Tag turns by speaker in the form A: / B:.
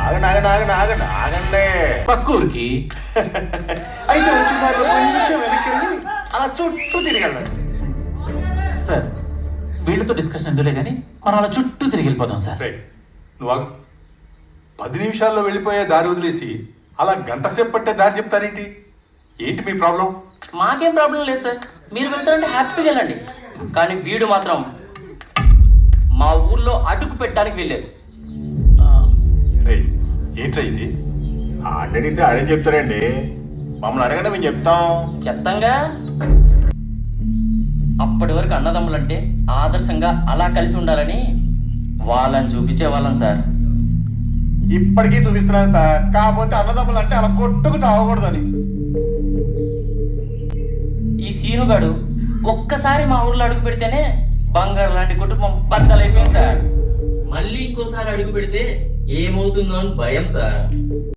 A: ఆగండి ఆగండి ఆగండి ఆగండి ఆగండి.
B: పక్క ఊరికి.
A: అయితే వచ్చిన దారిలో కొంచెం వెనక్కి వెళ్ళి అలా చుట్టూ తిరిగెళ్ళండి.
B: సార్ వీళ్ళతో డిస్కషన్ ఎందులే కానీ మనం అలా చుట్టూ తిరిగి వెళ్ళిపోదాం సార్.
C: రేయ్, నువ్వు ఆగు. 10 నిమిషాల్లో వెళ్ళిపోయే దారి వదిలేసి అలా గంట సేపు పట్టే దారి చెప్తారేంటి? ఏంటి మీ ప్రాబ్లం?
D: మాకేం ప్రాబ్లం లేదు సార్, మీరు వెళ్తారంటే హ్యాపీగా వెళ్ళండి. కానీ వీడు మాత్రం మా ఊర్లో అడుగు పెట్టడానికి వెళ్ళారు.
C: రేయ్, ఏంట్రా ఇది?
A: అడిగితే అడిగి చెప్తారండి. మమ్మల్ని అడగండి మేము చెప్తాం.
D: చెప్తాంగా. అప్పటి వరకు అన్నదమ్ములంటే ఆదర్శంగా అలా కలిసి ఉండాలని వాళ్ళని చూపించే వాళ్ళం సార్.
A: ఇప్పటికీ చూపిస్తున్నాను సార్, కాకపోతే అన్నదమ్ములు అంటే అలా కొట్టుకు చావకూడదని.
D: ఈ సీనుగాడు ఒక్కసారి మా ఊర్లో అడుగు పెడితేనే బంగారు లాంటి కుటుంబం బద్దలైపోయింది సార్. మళ్ళీ ఇంకోసారి అడుగు పెడితే ఏమవుతుందో అని భయం సార్.